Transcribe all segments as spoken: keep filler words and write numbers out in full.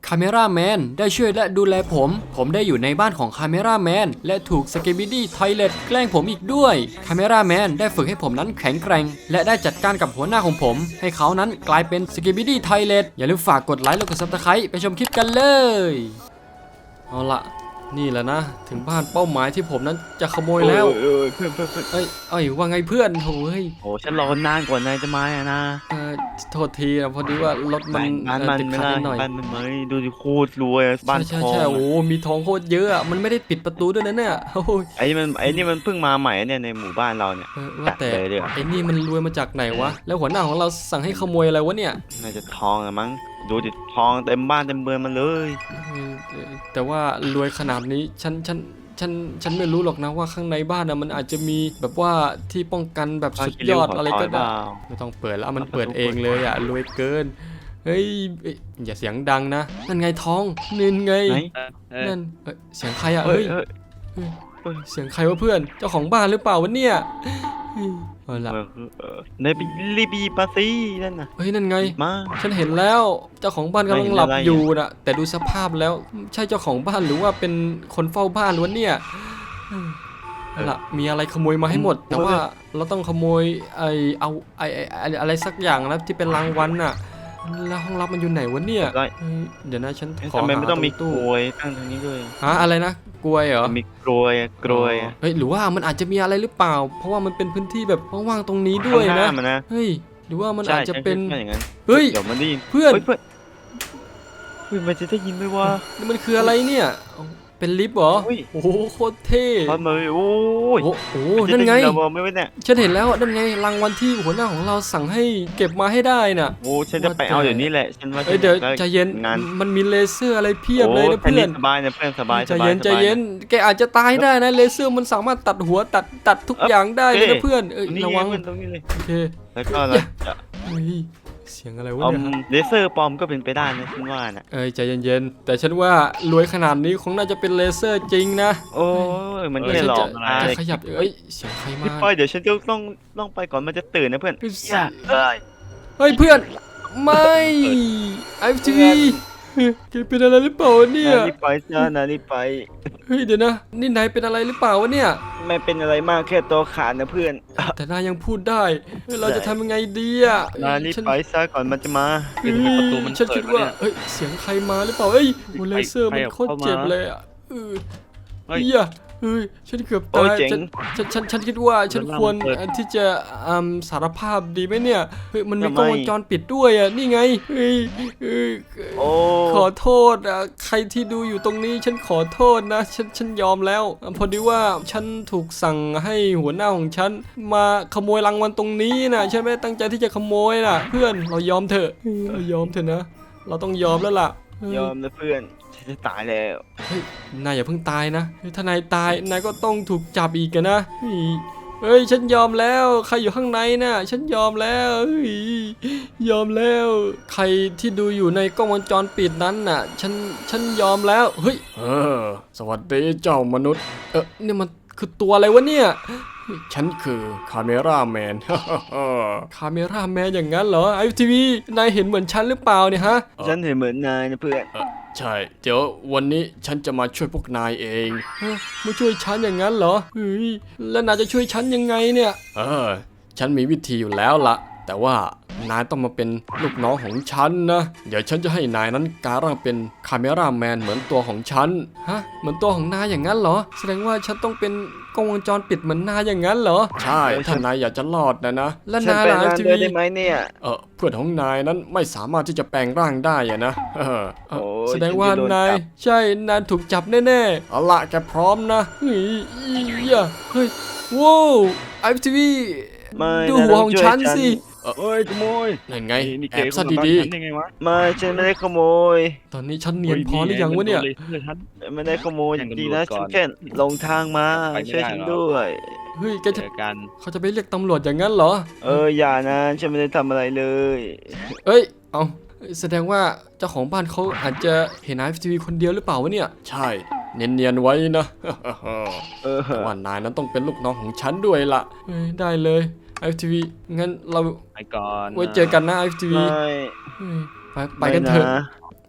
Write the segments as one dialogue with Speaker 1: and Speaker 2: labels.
Speaker 1: คาเมราแมนได้ช่วยและดูแลผมผมได้อยู่ในบ้านของคาเมราแมนและถูกสกิบิดี้ทอยเลตแกล้งผมอีกด้วยคาเมราแมนได้ฝึกให้ผมนั้นแข็งแกร่งและได้จัดการกับหัวหน้าของผมให้เขานั้นกลายเป็นสกิบิดี้ทอยเลตอย่าลืมฝากกดไลค์และกดซับสไครต์ไปชมคลิปกันเลยเอาละนี่แหละนะถึงบ้านเป้าหมายที่ผมนั้นจะขโมยแล้ว
Speaker 2: เออเพื่อนเพื่อนเพื่อน
Speaker 1: เอ้ยเอ้ยว่าไงเพื่อนโอ้ย
Speaker 2: โอ้ฉันรอนานกว่านายจะมาอะนะ
Speaker 1: เออโทษทีนะพอดีว่ารถมัน
Speaker 2: บ้านมัน
Speaker 1: ติด
Speaker 2: ไม่
Speaker 1: ขัด
Speaker 2: ได้
Speaker 1: นิดหน่อย
Speaker 2: บ้านมันไม่ดูดิโคตรรวยบ้านท
Speaker 1: ใช่
Speaker 2: อง
Speaker 1: ใช่โอ้มีทองโคตรเยอะอ่ะมันไม่ได้ปิดประตูด้วยนะเนี่ยโอ้ย
Speaker 2: ไอ้มันไอ้นี่มันเพิ่งมาใหม่เนี่ยในหมู่บ้านเราเนี่ย
Speaker 1: เออว่าแต่
Speaker 2: จัดเลยดีกว่า
Speaker 1: ไอ้นี่มันรวยมาจากไหนวะแล้วหัวหน้าของเราสั่งให้ขโมยอะไรวะเนี่ย
Speaker 2: น่าจะทองอะมั้งดูดิทองเต็มบ้านเต็มเมืองมันเลย
Speaker 1: เออเออแต่ว่ารวยขนาดนี้ฉันฉันฉันฉันไม่รู้หรอกนะว่าข้างในบ้านนะมันอาจจะมีแบบว่าที่ป้องกันแบบสุดยอดอะไรก็ได้ไม่ต้องเปิดแล้วมันเปิดเองเลยอ่ะรวยเกินเฮ้ยอย่าเสียงดังนะนั่นไงทองนั่นไง
Speaker 2: ไหน
Speaker 1: นั่นเอ้ยเสียงใครอ่ะ
Speaker 2: เฮ้
Speaker 1: เฮ้
Speaker 2: ย
Speaker 1: ย
Speaker 2: เฮ้ย
Speaker 1: เฮ้ยเสียงใครวะเพื่อนเจ้าของบ้านหรือเปล่าวะเนี่ยเอาละ
Speaker 2: เออเออในายไปรีบีปาซีนั่นน่ะ
Speaker 1: เฮ้ยนั่นไง
Speaker 2: มา
Speaker 1: ฉันเห็นแล้วเจ้าของบ้านกำลังหลับ
Speaker 2: ไม่เห็นอะไร
Speaker 1: อยู่นะแต่ดูสภาพแล้วใช่เจ้าของบ้านหรือว่าเป็นคนเฝ้าบ้านล้วนเนี่ยเอาล่ะมีอะไรขโมยมาให้หมด แต่ว่าเราต้องขโมยไอเอาไอไอไอ้อะไรสักอย่างนะที่เป็นรางวัลน่ะแล้วห้องลับมันอยู่ไหนวะเนี่ย
Speaker 2: ได้
Speaker 1: เฮ้ยเดี๋ยวนะฉันขอ
Speaker 2: ทำไม
Speaker 1: หา
Speaker 2: ไม่ต้องมี
Speaker 1: ตรง
Speaker 2: ก
Speaker 1: ตู้
Speaker 2: ลวยตั้งตรงนี้ด้วย
Speaker 1: หาอะไรนะกลวยเหรอ
Speaker 2: มีกลวยอะกลวยอะ
Speaker 1: เฮ้ยหรือว่ามันอาจจะมีอะไรหรือเปล่า เพราะว่ามันเป็นพื้นที่แบบว่างๆตรงนี้ด้วย
Speaker 2: ข้างห
Speaker 1: นะ
Speaker 2: น้ามันนะ
Speaker 1: เฮ้ยหรือว่ามัน
Speaker 2: ใช่
Speaker 1: อาจจะเป็น
Speaker 2: ฉันคิดว่าอย่างนั้น
Speaker 1: เฮ้ย
Speaker 2: เดี๋ยวมันได้ยิน
Speaker 1: เพื่อน
Speaker 2: ฮ้ยเพื่อนเฮ้ยมันจะได้ยินไหมวะ
Speaker 1: นี่มันคืออะไรเนี่ยเป็นลิฟต์เหรอ
Speaker 2: อุ้ย
Speaker 1: โอ้โหโคตรเท่
Speaker 2: พัดมาโอ้ย
Speaker 1: โอ้โห
Speaker 2: มัจะ
Speaker 1: นั่นไง
Speaker 2: ด้ยิเราไม่ไว้เนี่ย
Speaker 1: ฉันเห็นแล้วนั่นไงรางวัลที่หัวหน้าของเราสั่งให้เก็บมาให้ได้น่ะ
Speaker 2: โอ้ฉันจะไปเอาเดี๋ยวนี้แหละฉันว่า
Speaker 1: เอ้ยเดี๋ยว
Speaker 2: จะ
Speaker 1: ใจเย็น
Speaker 2: งาน
Speaker 1: มันมีเลเซอร์อะไรเพียบเลยนะ
Speaker 2: โอ้
Speaker 1: เพื่อน
Speaker 2: สบายนะเพื่อนสบาย
Speaker 1: ใจ
Speaker 2: สบา
Speaker 1: เย็นใจ
Speaker 2: สบา
Speaker 1: เย็นแกอาจจะตายได้นะเลเซอร์มันสามารถตัดหัวตัดตัดทุกอย่างได้เลยนะเพื่อนเอ้ย
Speaker 2: นี่
Speaker 1: ระ
Speaker 2: ไง
Speaker 1: วัง
Speaker 2: เพื่อนตรงนี้เลย
Speaker 1: โอเค
Speaker 2: แล้วก็เราจะ
Speaker 1: เฮ้ยเสียงอะไรวะ
Speaker 2: เอา
Speaker 1: เนี่ย
Speaker 2: เลเซอร์ปลอมก็เป็นไปได้นะฉันว่าน่ะ
Speaker 1: เอ้ยใจเย็นๆแต่ฉันว่ารวยขนาดนี้คงน่าจะเป็นเลเซอร์จริงนะ
Speaker 2: โอ้ยมัน
Speaker 1: เออ
Speaker 2: แค่
Speaker 1: ฉัน
Speaker 2: หลอ
Speaker 1: จะ
Speaker 2: ก
Speaker 1: จะ
Speaker 2: อะไร
Speaker 1: ขยับเอ้ยเสียงใครมา
Speaker 2: พี่ปอยเดี๋ยวฉันจะต้องต้องไปก่อนมันจะตื่นนะเพื่อน
Speaker 1: เฮ้ย
Speaker 2: อย่าเอ้ย
Speaker 1: เฮ้ยเพื่อนไม่ไอฟทีวีแกเป็นอะไรหรือเปล่าวะเนี่ย
Speaker 2: นานี่ไปจ้านานี่ไป
Speaker 1: เฮ้ยเดี๋ยวนะนี่นายเป็นอะไรหรือเปล่าวะเนี่ย
Speaker 2: ไม่เป็นอะไรมากแค่ตัวขาดนะเพื่อน
Speaker 1: แต่นายยังพูดได้เฮ้ยเราจะทำยังไงดีอ่ะ
Speaker 2: นานี่
Speaker 1: ฉัน
Speaker 2: ไปซะก่อนมันจะมา
Speaker 1: เฮ้ย
Speaker 3: ประตูมัน
Speaker 1: ฉันคิดว่า
Speaker 3: เปิดวะเนี่ย
Speaker 1: เฮ้ยเสียงใครมาหรือเปล่าเฮ้ยโอ้เลเซอร์มันโคตรเจ็บเลยอ่ะเออ
Speaker 3: เฮ้ย
Speaker 1: เฮียเฮ้ยฉันเกือบ
Speaker 2: โอ้
Speaker 1: ตาย ย
Speaker 2: เจ๋ง
Speaker 1: ฉันฉันฉันฉันคิดว่าฉัน
Speaker 3: เดี๋ยว
Speaker 1: ควร
Speaker 3: เปิด
Speaker 1: ที่จะอืมสารภาพดีไหมเนี่ยเฮ้ยมันมี
Speaker 2: ทำไม
Speaker 1: กล้องวงจรปิดด้วยอ่ะนี่ไงเฮ้ยเฮ้ย
Speaker 2: โอ้
Speaker 1: ขอโทษอ่ะใครที่ดูอยู่ตรงนี้ฉันขอโทษนะฉันฉันยอมแล้วอ่ะพอดีว่าฉันถูกสั่งให้หัวหน้าของฉันมาขโมยรางวัลตรงนี้นะฉันไม่ได้ตั้งใจที่จะขโมยนะเพื่อนเรายอมเถอะเออเรายอมเถอะนะ เราต้องยอมแล้วล่ะเออย
Speaker 2: อมนะเพื่อนฉันจะตายแล้ว
Speaker 1: เฮ้ยนายอย่าเพิ่งตายนะเฮ้ยถ้านายตายนายก็ต้องถูกจับอีกอะนะเฮ้ยเฮ้ยฉันยอมแล้วใครอยู่ข้างในน่ะฉันยอมแล้วเฮ้ยยอมแล้ว ใครที่ดูอยู่ในกล้องวงจรปิดนั้นน่ะฉันฉันยอมแล้วเฮ้ยเออสวัสดีเจ้ามนุษย์เออนี่มันคือตัวอะไรวะเนี่ยฉันคือคาเมราแมน คาเมราแมนอย่างนั้นเหรอไอทีวีนายเห็นเหมือนฉันหรือเปล่าเนี่ยฮะ
Speaker 2: ฉันเห็นเหมือนนายนะเพื่อน
Speaker 1: ใช่เดี๋ยววันนี้ฉันจะมาช่วยพวกนายเองเฮ้ยมาช่วยฉันอย่างนั้นเหรอเฮ้ยแล้วนายจะช่วยฉันยังไงเนี่ยเออฉันมีวิธีอยู่แล้วละแต่ว่านายต้องมาเป็นลูกน้องของฉันนะเดี๋ยวฉันจะให้นายนั้นกลายร่างเป็นคาเมราแมนเหมือนตัวของฉันฮะเหมือนตัวของนายอย่างนั้นเหรอแสดงว่าฉันต้องเป็นกล้องวงจรปิดเหมือนนายอย่างนั้นเหรอใช่ถ้านายอยากจะรอดนะนะและ
Speaker 2: ฉัน
Speaker 1: นาย
Speaker 2: ไป
Speaker 1: ล่ะ
Speaker 2: งาน
Speaker 1: ที
Speaker 2: ด้วย
Speaker 1: วี
Speaker 2: ได้ไหมเนี่ย
Speaker 1: เออเพื่อนของนายนั้นไม่สามารถที่จะแปลงร่างได้อะนะเออเออ
Speaker 2: โอ้ย
Speaker 1: แสดงว่า
Speaker 2: ฉันจะโดน
Speaker 1: นาย
Speaker 2: จับ
Speaker 1: ใช่นายถูกจับแน่ๆเอาละแกพร้อมนะเฮ้ยอียะเฮ้ยว้าวไอทีวี
Speaker 2: ไม่
Speaker 1: ดู
Speaker 2: นาย
Speaker 1: หัว
Speaker 2: ต้
Speaker 1: ของ
Speaker 2: ช่วย
Speaker 1: ฉันสิเออ
Speaker 3: เฮ้ยขโมย
Speaker 1: นั่นไง
Speaker 3: นี่
Speaker 1: แอ
Speaker 3: เก๋
Speaker 1: บซะ
Speaker 3: คนละ
Speaker 1: ดี
Speaker 3: บ้านฉันได้ไงวะ
Speaker 2: ไม่ฉันไม่ได้ขโมย
Speaker 1: ๆตอนนี้ฉันเนียนพอหรือยังวะเนี่ย
Speaker 3: ฮ้มัโดลฉัน
Speaker 2: ไม่ได้ขโมย
Speaker 3: แจ้ง
Speaker 2: จ
Speaker 3: ตำรวจ
Speaker 2: ริงๆนะ
Speaker 3: ก่
Speaker 2: ฉั
Speaker 3: อน น
Speaker 2: แค่หลงทางมา
Speaker 3: ไปไม่
Speaker 2: ช่วย
Speaker 3: ได้
Speaker 2: ฉัน
Speaker 3: หรอก
Speaker 2: ด้วย
Speaker 1: เฮ้ยแก
Speaker 3: เจ
Speaker 1: จะ
Speaker 3: อกัน
Speaker 1: เขาจะไปเรียกตำรวจอย่างนั้นเหรอ
Speaker 2: เอออย่านะฉันไม่ได้ทำอะไรเลย
Speaker 1: เอ้ยเอาแสดงว่าเจ้าของบ้านเขาอาจจะเห็นไอทีวีคนเดียวหรือเปล่าวะเนี่ยใช่เนียนๆไว้นะ
Speaker 2: เออ
Speaker 1: แต่ว่านายนั้นต้องเป็นลูกน้องของฉันด้วยล่ะเอ้ยได้เลยไอทีวีงั้นเรา
Speaker 3: ไปก่อน
Speaker 1: ไว้เจอกันนะไอทีวี
Speaker 2: ไม่
Speaker 1: ไปไปกันเถอะ
Speaker 2: ไม่นะ
Speaker 1: เออ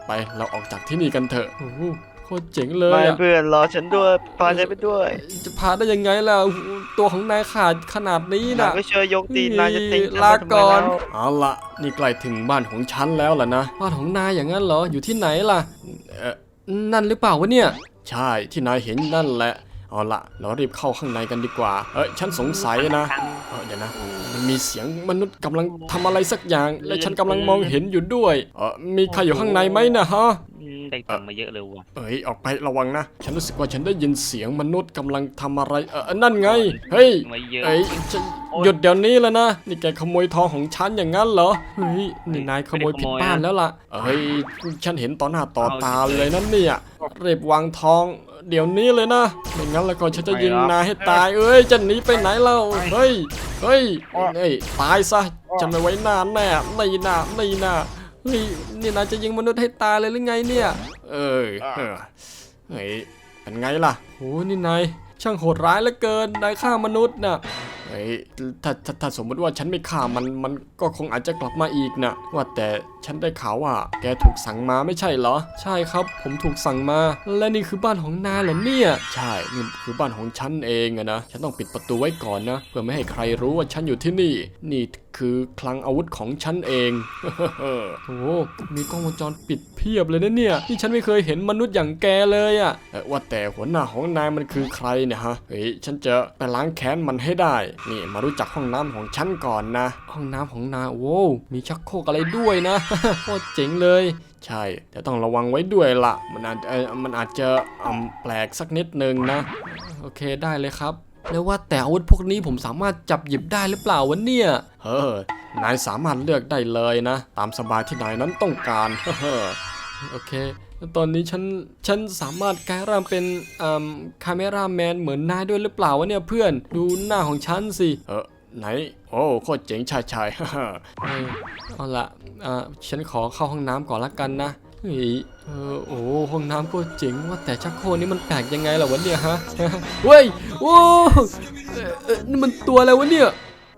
Speaker 1: ไปเราออกจากที่นี่กันเถอะโอ้โหโคตรเจ๋งเลย
Speaker 2: ไม่
Speaker 1: อะ
Speaker 2: เพื่อนรอฉันด้วยพาฉันไปด้วย
Speaker 1: จะพาได้ยังไงล่ะโอ้โหตัวของนายขาดขนาดนี้
Speaker 2: นาย
Speaker 1: นะ
Speaker 2: ก็ช่วยยกตีนนายจะทิ้งฉัน
Speaker 1: ลา
Speaker 2: ไปทำไม
Speaker 1: ก่อน
Speaker 2: แล้ว
Speaker 1: เอาละนี่ใกล้ถึงบ้านของฉันแล้วล่ะนะบ้านของนายอย่างนั้นเหรออยู่ที่ไหนล่ะเอ่อนั่นหรือเปล่าวะเนี่ยใช่ที่นายเห็นนั่นแหละเอาละเรารีบเข้าข้างในกันดีกว่าเอ้ยฉันสงสัยนะเออเดี๋ยวนะมันมีเสียงมนุษย์กำลังทำอะไรสักอย่าง และฉันกำลังมองเห็นอยู่ด้วยเออมีใครอยู่ข้างในไหมนะฮะ
Speaker 3: อืมได้ตังค์มาเยอะเลยว่ะ
Speaker 1: เอ้ยออกไประวังนะ ฉันรู้สึกว่าฉันได้ยินเสียงมนุษย์กำลังทำอะไรเออนั่นไงเฮ้ย
Speaker 3: มาเยอะ
Speaker 1: เอ้ยฉันหยุดเดี๋ยวนี้เลยนะนี่แกขโมยทองของฉันอย่างนั้นเหรอเฮ้ยนี่นายขโมยผิดบ้านแล้วล่ะเฮ้ยฉันเห็นต่อหน้าต่อตาเลยนั่นเนี่ยรีบวางทองเดี๋ยวนี้เลยนะไม่งั้นแล้วก็ฉันจะยิงนายให้ตายเอ้ยจะหนีไปไหนเล่าเฮ้ยเฮ้ยเฮ้ยตายซะจะไม่ไว้หน้าแน่ไม่หน้าไม่หน้าเฮ้ยนี่นายจะยิงมนุษย์ให้ตายเลยหรือไงเนี่ยเอ้ยเออเฮ้ยเป็นไงล่ะโหนี่นายช่างโหดร้ายเหลือเกินนายฆ่ามนุษย์น่ะเฮ้ยถ้าถ้าถ้าสมมติว่าฉันไม่ฆ่ามันมันก็คงอาจจะกลับมาอีกนะว่าแต่ฉันได้ข่าวว่าแกถูกสั่งมาไม่ใช่เหรอใช่ครับผมถูกสั่งมาและนี่คือบ้านของนายเหรอเนี่ยใช่นี่คือบ้านของฉันเองอะนะฉันต้องปิดประตูไว้ก่อนนะเพื่อไม่ให้ใครรู้ว่าฉันอยู่ที่นี่นี่คือคลังอาวุธของฉันเอง โอ้โหมีกล้องวงจรปิดเพียบเลยนะเนี่ยนี่ฉันไม่เคยเห็นมนุษย์อย่างแกเลยอะเอ่อว่าแต่หัวหน้าของนายมันคือใครเนี่ยฮะเฮ้ยฉันจะไปล้างแค้นมันให้ได้นี่มารู้จักห้องน้ำของฉันก่อนนะห้องน้ำของนายโว้วมีชักโครกอะไรด้วยนะ โคตรเจ๋งเลยใช่แต่ต้องระวังไว้ด้วยล่ะมันอาจเอ่อมันอาจจะอืมแปลกสักนิดนึงนะโอเคได้เลยครับแล้วว่าแต่อาวุธพวกนี้ผมสามารถจับหยิบได้หรือเปล่าวะเนี่ยเฮ้อนายสามารถเลือกได้เลยนะตามสบายที่นายนั้นต้องการ เฮ้อโอเคแล้วตอนนี้ฉันฉันสามารถกลายร่างเป็นอืมคาเมราแมนเหมือนนายด้วยหรือเปล่าวะเนี่ยเพื่อนดูหน้าของฉันสิเออไหนโอ้โคตรเจ๋งชายชาย เออเอาละอ่าฉันขอเข้าห้องน้ำก่อนละกันนะเฮ้ยเออโอ้ห้องน้ำก็เจ๋งว่าแต่ชักโครกนี้มันแปลกยังไงล่ะวะเนี่ยฮะ เว้ยโอ้เอ่อเอ่อนี่มันตัวอะไรวะเนี่ย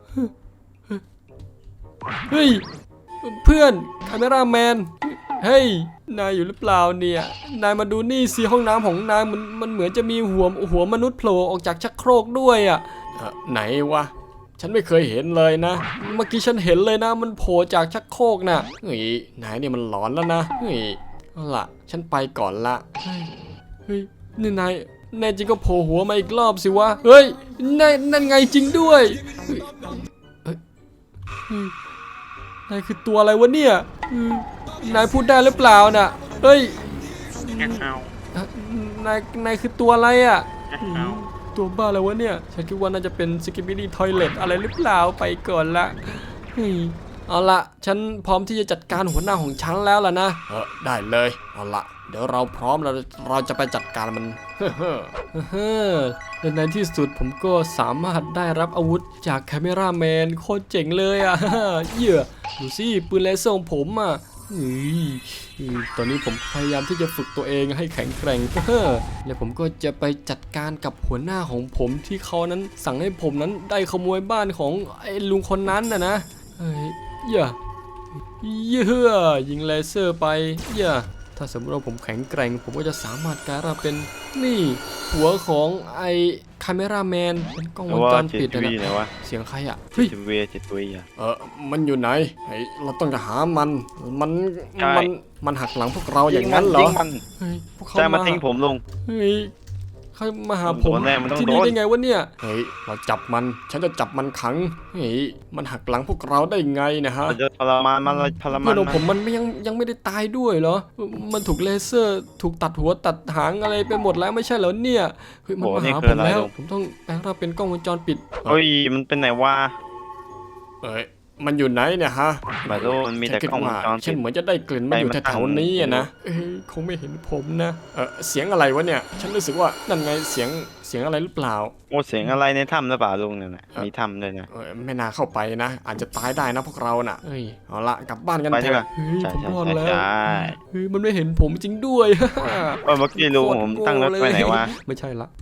Speaker 1: เฮ้ยเพื่อนคาเมราแมนเฮ้ยนายอยู่หรือเปล่าเนี่ยนายมาดูนี่สิห้องน้ำของนายมันมันเหมือนจะมีหัวหัวมนุษย์โผล่ออกจากชักโครกด้วยอ่ะเอ่อไหนวะฉันไม่เคยเห็นเลยนะเมื่อกี้ฉันเห็นเลยนะมันโผล่จากชักโครกน่ะเฮ้ยนายเนี่ยมันหลอนแล้วนะเฮ้ยเอาล่ะฉันไปก่อนละเฮ้ยเฮ้ยนี่นายแน่จริงก็โผล่หัวมาอีกรอบสิวะเฮ้ยนายนั่นไงจริงด้วยเฮ้ยเฮ้ยเฮ้ยนายคือตัวอะไรวะเนี่ยเฮ้ยนายพูดได้หรือเปล่าน่ะเฮ้ย
Speaker 3: เอา
Speaker 1: เอ่อ นายนายคือตัวอะไรอ่ะ
Speaker 3: เอา
Speaker 1: ตัวบ้าอะไรวะเนี่ยฉันคิดว่าน่าจะเป็นสกิปปี้ดี้ทอยเลทอะไรหรือเปล่าไปก่อนละเฮ้ยเอาละฉันพร้อมที่จะจัดการหัวหน้าของฉันแล้วล่ะนะเออได้เลยเอาละเดี๋ยวเราพร้อมเราเราจะไปจัดการมัน เฮ้อเฮ้อเฮ้อและในที่สุดผมก็สามารถได้รับอาวุธจากแคมเมราแมนโคตรเจ๋งเลยอ่ะ เหี้ยดูสิปืนเลเซอร์ของผมอ่ะเฮ้ยเฮ้ยตอนนี้ผมพยายามที่จะฝึกตัวเองให้แข็งแกร่ง แล้วผมก็จะไปจัดการกับหัวหน้าของผมที่เขานั้นสั่งให้ผมนั้นได้ขโมยบ้านของไอ้ลุงคนนั้นนะนะเฮ้ยอย่าเยื่อยิงเลเซอร์ไปอย่าถ้าสมมติว่าผมแข็งแกร่งผมก็จะสามารถกลายร่างเป็นนี่หัวของไอ้คาเมราแมนเป็นกล้องวง
Speaker 2: ว่า
Speaker 1: จร
Speaker 2: จิ
Speaker 1: ปิด
Speaker 2: ต
Speaker 1: นะ
Speaker 2: วีไหน
Speaker 1: นะ
Speaker 2: วะ
Speaker 1: เสียงใครอ่ะเฮ้ย
Speaker 2: จิตวีจิตวีอ่ะ
Speaker 1: เออมันอยู่ไหนไอ้เราต้องหามัน มัน
Speaker 2: ใช่
Speaker 1: มัน มันหักหลังพวกเราอย่างนั้นเหรอ
Speaker 2: ยิงมัน
Speaker 1: เฮ้ย พวกเขา
Speaker 2: ใช่มา
Speaker 1: มา
Speaker 2: ทิ้งผมลง
Speaker 1: เฮ้ยเขามาหาผม
Speaker 2: โดนแน่มันต้อง
Speaker 1: ที่นี่
Speaker 2: โดน
Speaker 1: ได้ไงวะเนี่ย เฮ้ย เราจับมัน ฉันจะจับมันขัง เฮ้ย มันหักหลังพวกเราได้ไงเนะฮะ
Speaker 2: เราจะทรมานมันเราทรมา
Speaker 1: เพื่อน นของ
Speaker 2: มั
Speaker 1: ผม
Speaker 2: น
Speaker 1: มันไม่ยังยังไม่ได้ตายด้วยเหรอ มันถูกเลเซอร์ ถูกตัดหัวตัดหางอะไรไปหมดแล้วไม่ใช่เหรอเนี่ย เฮ้ย มันมาหาผมแล้ว ผมต้องแปลงร่างเป็นกล้องวงจรปิด
Speaker 2: เฮ้ยมันเป็นไหนวะ
Speaker 1: เอ้ย มันอยู่ไหนเนี่ยฮะ
Speaker 2: ไม่รู้มันมีแต่กล้องวงจร
Speaker 1: ฉั
Speaker 2: ปิ
Speaker 1: น
Speaker 2: ด
Speaker 1: เหมือนจะได้กลิ่นมันอยู่
Speaker 2: ไปมัน
Speaker 1: แถวๆนี้อะนะเอ้ยคงไม่เห็นผมนะเออเสียงอะไรวะเนี่ย ฉันรู้สึกว่านั่นไงเสียงเสียงอะไรหรือเปล่า
Speaker 2: โอ้เสียงอะไรในถ้ำหรือเปล่าลุงเนี่ยนะมีถ้ำด้วยนะ
Speaker 1: เออไม่น่าเข้าไปนะ อาจจะตายได้นะพวกเราน่ะเอ้ยเอาละกลับบ้านกัน
Speaker 2: ไป
Speaker 1: เถ
Speaker 2: ดีก
Speaker 1: อะ
Speaker 2: ว่า
Speaker 1: เฮ้ย
Speaker 2: ใช่
Speaker 1: ผม
Speaker 2: ใช่
Speaker 1: รอด
Speaker 2: ใช่
Speaker 1: แล้ว
Speaker 2: ใช่
Speaker 1: เฮ้ยมันไม่เห็นผมจริงด้วย
Speaker 2: เออเมื่อกี้ลุงผมตั้งรถไว้ไหนวะ
Speaker 1: ไม่ใช่ละเออ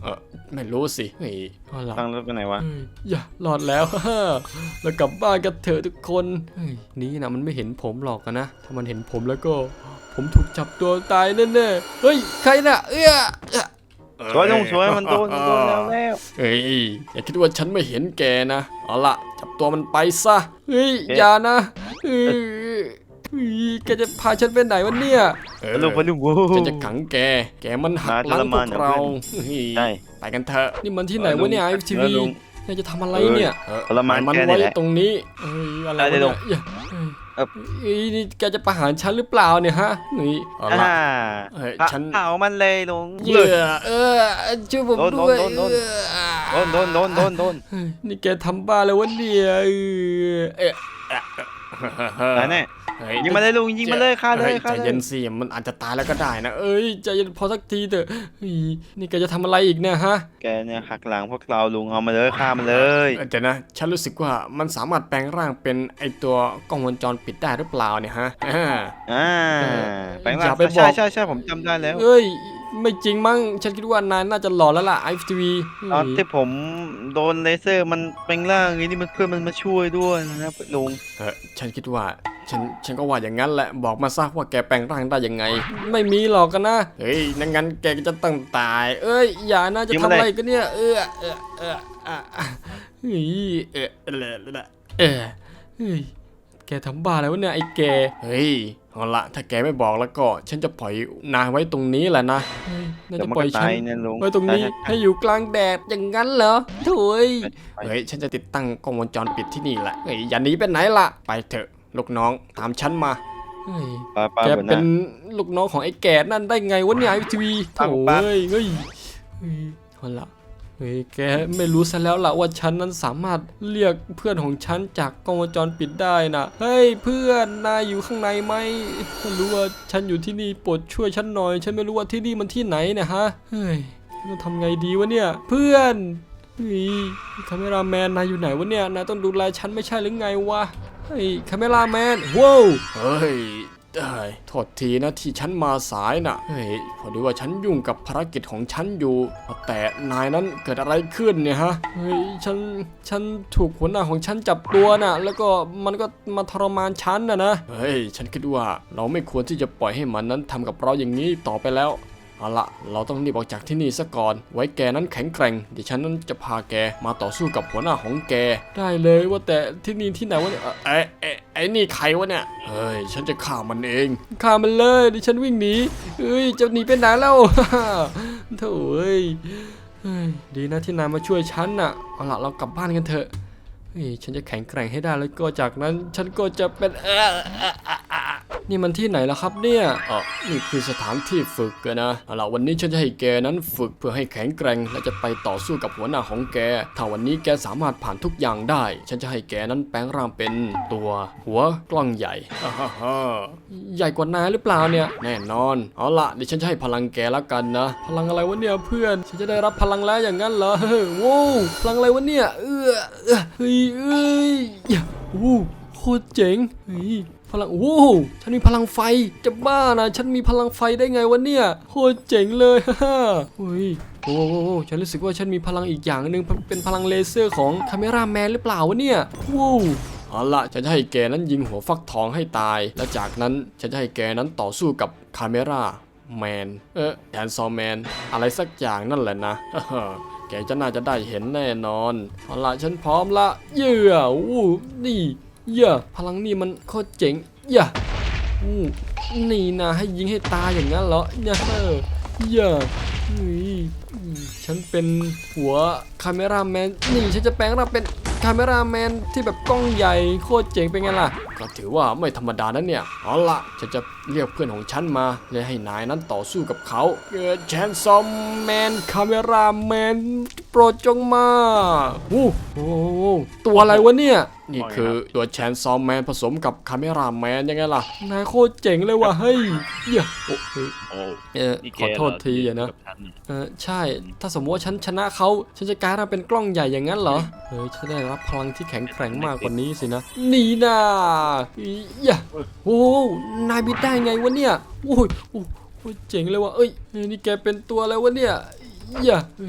Speaker 1: ไม่รู้สิเฮ้ยเอาล่ะ
Speaker 2: ตั้งรถไปไหนวะ
Speaker 1: เฮ้ยอย่ารอดแล้ว แล้วกลับบ้านกันเถอะทุกคนเฮ้ยนี่นะมันไม่เห็นผมหรอกอะนะถ้ามันเห็นผมแล้วก็ ผมถูกจับตัวตายแน่ๆเฮ้ยใครน่ะเอ้อเอ้อ
Speaker 2: สวยลุงสวยมันโดนมันโดนแล้วแล้ว
Speaker 1: เฮ้ยอย่าคิดว่าฉันไม่เห็นแกนะเอาล่ะจับตัวมันไปซะเฮ้ยอย่านะเฮ้ยเฮ้ยแกจะพาฉันไปไหนวะเนี่ยเออ
Speaker 2: ลุงไปลุงโว้
Speaker 1: ฉันจะขังแกแกมันหักหลังพวกเราเฮ้ย
Speaker 2: ใช่
Speaker 1: ไปกันเถอะนี่มันที่ไหนวะเนี่ยไอทีวี
Speaker 2: ลุง
Speaker 1: นายจะทำอะไรเนี่ย
Speaker 2: ทรมาน
Speaker 1: มัน
Speaker 2: แกนี่
Speaker 1: ไว้
Speaker 2: แหละ
Speaker 1: ตรงนี้เอ้ยอะไร
Speaker 2: ได้
Speaker 1: วะ
Speaker 2: เลย
Speaker 1: เนี่ย
Speaker 2: เอ้า
Speaker 1: เอ้ยนี่แกจะประหารฉันหรือเปล่าเนี่ยฮะนี่เอาละ
Speaker 2: อ่า
Speaker 1: เฮ้ย
Speaker 2: เผา
Speaker 1: ฉัน
Speaker 2: เผามันเลยลุง
Speaker 1: เหยื่อเออช่วยผม
Speaker 2: โดน
Speaker 1: ด้วย
Speaker 2: โดนโดน
Speaker 1: เออ
Speaker 2: โดนโดนโดนโดนโดน
Speaker 1: เฮ้ยนี่แกทำบ้าแล้ววะเนี่ยเออเอ๊ะ
Speaker 2: ไหนแน่
Speaker 1: เฮ้ย
Speaker 2: ยิงมาเลยลุงยิงมาเลยฆ่าเลย
Speaker 1: ฮ้
Speaker 2: ฆ่า
Speaker 1: ใจ
Speaker 2: เล
Speaker 1: เย็
Speaker 2: ย
Speaker 1: นสิมันอาจจะตายแล้วก็ได้นะเอ้ยใจเย็นพอสักทีเถอะเฮ้ยนี่แกจะทำอะไรอีกเนี่ยฮะ
Speaker 2: แกเนี่ยหักหลังพวกเราลุงเอามาเลยฆ่ามันเลย
Speaker 1: เออแต่นะฉันรู้สึกว่ามันสามารถแปลงร่างเป็นไอตัวกล้องวงจรปิดได้หรือเปล่าเนี่ยฮะอ่า
Speaker 2: อ่า
Speaker 1: เออ
Speaker 2: ไปมา
Speaker 1: อย่าไปบอก
Speaker 2: ใช่ใช่ใช่ผมจำได้แล้ว
Speaker 1: เอ้ยไม่จริงมั้งฉันคิดว่านายน่าจะหล่อแล้วล่ะไอทีวี
Speaker 2: ตอนที่ผมโดนเลเซอร์มันเป็นร่างอย่างนี้นี่มันเพื่อนมันมาช่วยด้วยนะครับลุง
Speaker 1: เออฉันคิดว่าฉันฉันก็ว่าอย่างนั้นแหละบอกมาซะว่าแกแปลงร่างได้ยังไง ไม่มีหรอกกันนะเฮ้ยนั่นงั้นแกก็จะต้องตาย เอ้ยอย่านะจะทำอะไรกันเนี่ยเออเออเออเออเฮ้ยเออเออเออเฮ้ยแกทำบ้าอะไรวะเนี่ยไอ้แกเฮ้ยเอาละถ้าแกไม่บอกแล้วก็ฉันจะปล่อยนายไว้ตรงนี้แหละนะเฮ้ยน่า
Speaker 2: เดี๋ย
Speaker 1: จะ
Speaker 2: วมัน
Speaker 1: ปล่อย
Speaker 2: ก็
Speaker 1: ฉั
Speaker 2: ตาย
Speaker 1: น
Speaker 2: เนี่ยลุง
Speaker 1: ไว้ตรงนี้
Speaker 2: ใช่
Speaker 1: ให้อยู่กลางแดดอย่างนั้นเหรอโถุย
Speaker 2: ใช่
Speaker 1: เฮ้ยฉันจะติดตั้งกล้องวงจรปิดที่นี่แหละเฮ้ยอย่าหนีไปไหนล่ะไปเถอะลูกน้องตามฉันมาเฮ้ย
Speaker 2: ปลาปลา
Speaker 1: แก
Speaker 2: หัวห
Speaker 1: เป็
Speaker 2: น้าน
Speaker 1: ลูกน้องของไอ้แก่นั่นได้ไงวะเนี่ยไอทีวี
Speaker 2: ปั๊
Speaker 1: โถ่
Speaker 2: บปั๊บ
Speaker 1: เฮ้ยเฮ้ยเฮ้ยเอาละเฮ้ยแกไม่รู้ซะแล้วล่ะว่าฉันนั้นสามารถเรียกเพื่อนของฉันจากกล้องวงจรปิดได้นะเฮ้ยเพื่อนนายอยู่ข้างในไหมฉันรู้ว่าฉันอยู่ที่นี่โปรดช่วยฉันหน่อย ฉันไม่รู้ว่าที่นี่มันที่ไหนเนี่ยฮะเฮ้ยต้องทำไงดีวะเนี่ยเพื่อนเฮ้ยคาเมราแมนนายอยู่ไหนวะเนี่ยนายต้องดูแลฉันไม่ใช่หรือไงวะเฮ้ยคาเมราแมนว้าวเฮ้ย ได้โทษทีนะที่ฉันมาสายน่ะเฮ้ยพอดีว่าฉันยุ่งกับภารกิจของฉันอยู่แต่นายนั้นเกิดอะไรขึ้นเนี่ยฮะเฮ้ยฉันฉันถูกหัวหน้าของฉันจับตัวน่ะแล้วก็มันก็มาทรมานฉันน่ะนะเฮ้ยฉันคิดว่าเราไม่ควรที่จะปล่อยให้มันนั้นทำกับเราอย่างนี้ต่อไปแล้วเอาละเราต้องรีบออกจากที่นี่ซะก่อนไว้แกนั้นแข็งแกร่งเดี๋ยวฉันนั้นจะพาแกมาต่อสู้กับหัวหน้าของแกได้เลยว่าแต่ที่นี่ที่ไหนวะเนี่ยเอ้ไอ้ไอ้นี่ใครวะเนี่ยเฮ้ยฉันจะฆ่ามันเองฆ่ามันเลยดิฉันวิ่งหนีเฮ้ยจะหนีไปไหนแล้ว โถ่เอ้ยเฮ้ยดีนะที่นายมาช่วยฉันน่ะเอาละเรากลับบ้านกันเถอะเฮ้ยฉันจะแข็งแกร่งให้ได้แล้วก็จากนั้นฉันก็จะเป็นเออเอ่อเอ่อเอ่อนี่มันที่ไหนล่ะครับเนี่ยอ๋อนี่คือสถานที่ฝึกกันนะเอาล่ะวันนี้ฉันจะให้แกนั้นฝึกเพื่อให้แข็งแกร่งและจะไปต่อสู้กับหัวหน้าของแกถ้าวันนี้แกสามารถผ่านทุกอย่างได้ ฉันจะให้แกนั้นแปลงร่างเป็นตัวหัวกล้องใหญ่ ฮ่าฮ่าฮ่าใหญ่กว่านายหรือเปล่าเนี่ยแน่นอนเอาล่ะเดี๋ยวฉันจะให้พลังแกแล้วกันนะพลังอะไรวะเนี่ยเพื่อนฉันจะได้รับพลังแล้วอย่างนั้นเหรอเฮ้ยโว้วพลังอะไรวะเนี่ยเออเออเฮ้ยเอ้ยอย่าโอ้โคตรเจ๋งเฮ้ยพลังโอ้โหฉันมีพลังไฟจะบ้านะฉันมีพลังไฟได้ไงวะเนี่ยโคตรเจ๋งเลยฮ่าฮ่าเฮ้ยโอ้โหฉันรู้สึกว่าฉันมีพลังอีกอย่างหนึ่งเป็นพลังเลเซอร์ของคาเมราแมนหรือเปล่าวะเนี่ยว้าวเอาละฉันจะให้แกนั้นยิงหัวฟักทองให้ตายและจากนั้นฉันจะให้แกนั้นต่อสู้กับคาเมราแมนเออแดนซอแมนอะไรสักอย่างนั่นแหละนะ แกจะน่าจะได้เห็นแน่นอนเอาละฉันพร้อมละเย่ออู้นี่เย่อพลังนี่มันโคตรเจ๋งเย่ออู้นี่นะให้ยิงให้ตายอย่างนั้นเหรอเย่อเย่อนี่ฉันเป็นหัวคาเมราแมนนี่ฉันจะแปลงร่างเป็นคาเมราแมนที่แบบกล้องใหญ่โคตรเจ๋งเป็นไงล่ะก็ถือว่าไม่ธรรมดานะเนี่ยเอาละฉันจะเรียกเพื่อนของฉันมาเลยให้นายนั้นต่อสู้กับเขาเกิดแชนซอมแมนคาเมราแมนโปรดจงมาโอ้โหตัวอะไรวะเนี่ยนี่คือตัวแชนซอมแมนผสมกับคาเมราแมนยังไงล่ะนายโคตรเจ๋งเลยว่ะเฮ้ยเหี้ยโอ้เฮ้ย
Speaker 3: โอ้
Speaker 1: เออ
Speaker 3: นี่
Speaker 1: ข
Speaker 3: แก
Speaker 1: อโทษทีอะนะ
Speaker 3: กับฉัเนี่ย
Speaker 1: เออใช่ ถ้าสมมติว่าฉันชนะเขาฉันจะกลายมาเป็นกล้องใหญ่อย่างนั้นเหรอ เฮ้ยฉันได้รับพลังที่แข็งแกร่งมากกว่านี้สินะ นี่นะอียะโอ้โหนายบิดได้ไงวะเนี่ย โอ้ยโอ้โหเจ๋งเลยว่ะเอ้ยเฮ้ยนี่แกเป็นตัวอะไรวะเนี่ยอียะเฮ้ย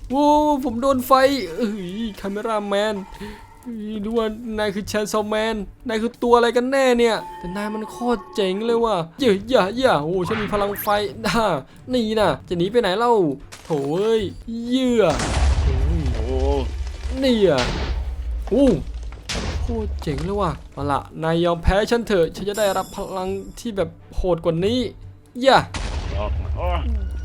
Speaker 1: โอ้ผมโดนไฟเอ้ยคาเมราแมนดูว่านายคือแชนซอมแมนนายคือตัวอะไรกันแน่เนี่ยแต่นายมันโคตรเจ๋งเลยว่ะเย่าอย่าอย่าโอ้ฉันมีพลังไฟด่านี่นะจะหนีไปไหนเล่าโถ่เอ้ยเยื่อ
Speaker 2: โอ้
Speaker 1: นี่อ่ะโอ้โคตรเจ๋งเลยว่ะเอาล่ะนายยอมแพ้ฉันเถอะฉันจะได้รับพลังที่แบบโหดกว่านี้อย่า
Speaker 2: ออกมาอ้อย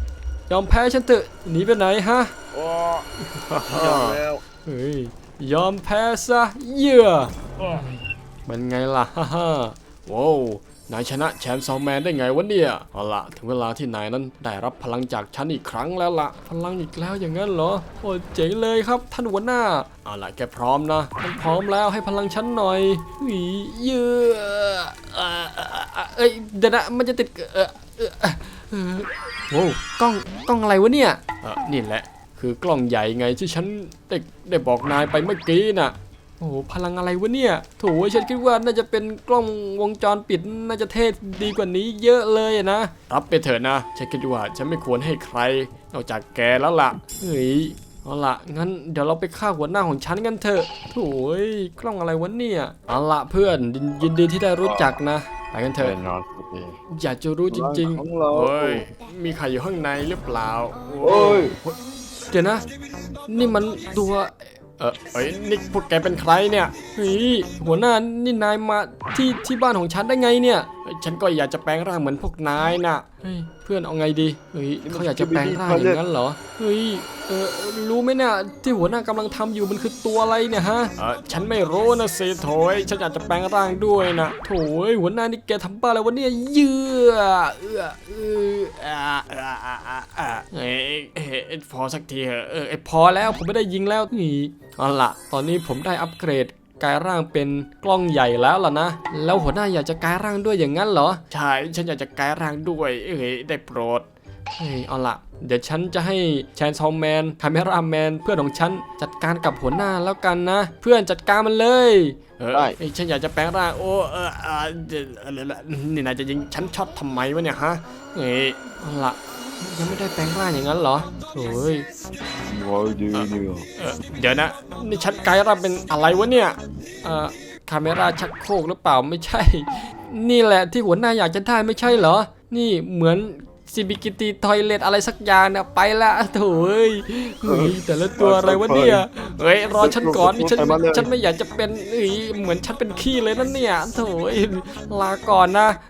Speaker 1: อมแพ้ฉันเถอะหนีไปไหนฮะ
Speaker 2: โอ้ยอมแล้ว
Speaker 1: เฮ้ยยอมแพ้ซะเยื่อ
Speaker 2: อ้อย
Speaker 1: มันไงล่ะฮ่าฮ่าว้าวนายชนะแชมป์ซอมแมนได้ไงวะเนี่ยเอาล่ะถึงเวลาที่นายนั้นได้รับพลังจากฉันอีกครั้งแล้วล่ะพลังอีกแล้วอย่างนั้นเหรอโอ้เจ๋งเลยครับท่านหัวหน้าเอาล่ะแกพร้อมนะมันพร้อมแล้วให้พลังฉันหน่อยเฮ้ยเยื่อเอ่อเอ่อเอ่อเอ้ยเดี๋ยวนะมันจะติดเออเออเออโว้วกล้องกล้องอะไรวะเนี่ยเออนี่แหละคือกล้องใหญ่ไงที่ฉันได้ได้บอกนายไปเมื่อกี้น่ะ โอ้โหพลังอะไรวะเนี่ยโถฉันคิดว่าน่าจะเป็นกล้องวงจรปิดน่าจะเท่ดีกว่านี้เยอะเลยอะนะรับไปเถอะนะฉันคิดว่าฉันไม่ควรให้ใครนอกจากแกแล้วล่ะเฮ้ยเอาล่ะงั้นเดี๋ยวเราไปฆ่าหัวหน้าของฉันกันเถอะโถยกล้องอะไรวะเนี่ยเอาล่ะเพื่อนยินยินดีที่ได้รู้จักนะไปกันเถอะ
Speaker 2: แน่นอนสิ
Speaker 1: อยากจะรู้จริง
Speaker 2: ของเรา
Speaker 1: ๆเฮ้ยมีใครอยู่ข้างในหรือเปล่า
Speaker 2: โอ้ย
Speaker 1: เดี๋ยวนะ นี่มันตัวเออเอ้ยนี่พวกแกเป็นใครเนี่ยเฮ้ยหัวหน้านี่นายมาที่ที่บ้านของฉันได้ไงเนี่ยเอ้ยฉันก็อยากจะแปลงร่างเหมือนพวกนายน่ะเฮ้ยเพื่อนเอาไงดีเฮ้ยเขาอยากจะแปลงร่างอย่างนั้นเหรอเฮ้ยเออรู้ไหมเนี่ยที่หัวหน้ากำลังทำอยู่มันคือตัวอะไรเนี่ยฮะเออฉันไม่รู้นะสิโถยฉันอยากจะแปลงร่างด้วยนะโถยหัวหน้านี่แกทำบ้าอะไรวะเนี่ยเยื่อเอื้อเอื้ออ่าอ่าอ่าอ่าอ่าเฮ้ยเฮ้ยพอสักทีเถอะเออไอพอแล้วผมไม่ได้ยิงแล้วนี่เอาล่ะตอนนี้ผมได้อัปเกรดกลายร่างเป็นกล้องใหญ่แล้วล่ะนะแล้วหัวหน้าอยากจะกลายร่างด้วยอย่างนั้นเหรอใช่ฉันอยากจะกลายร่างด้วยเอ้ยได้โปรดเฮ้ยเอาล่ะเดี๋ยวฉันจะให้แชนซอมแมนคาเมราแมนเพื่อนของฉันจัดการกับหัวหน้าแล้วกันนะ เพื่อนจัดการมันเลยเออเอ้ยฉันอยากจะแปลงร่างโอ้เออเออเดี๋ยวเออเออนี่นายจะยิงฉันช็อตทำไมวะเนี่ยฮะเฮ้ยเอาล่ะยังไม่ได้แปลงร่างอย่างนั้นเหรอโอ้ย
Speaker 2: ว้าวดีเนี่ย
Speaker 1: เออเดี๋ยวนะนี่ชัดไกด์เราเป็นอะไรวะเนี่ยเอ่อคาเมราชักโครกหรือเปล่าไม่ใช่ นี่แหละที่หัวหน้าอยากจะได้ไม่ใช่เหรอ นี่เหมือนซีบิกิตีทอยเลตอะไรสักอย่างนะไปละโถ่เอ้ยเฮ้ยแต่ละตัวอะไรวะเนี่ยเฮ้ยรอฉันก่อนนี่ฉันฉันไม่อยากจะเป็นเอ้ยเหมือนฉันเป็นขี้เลยนั่นเนี่ยโถ่เอ้ยลาก่อนนะ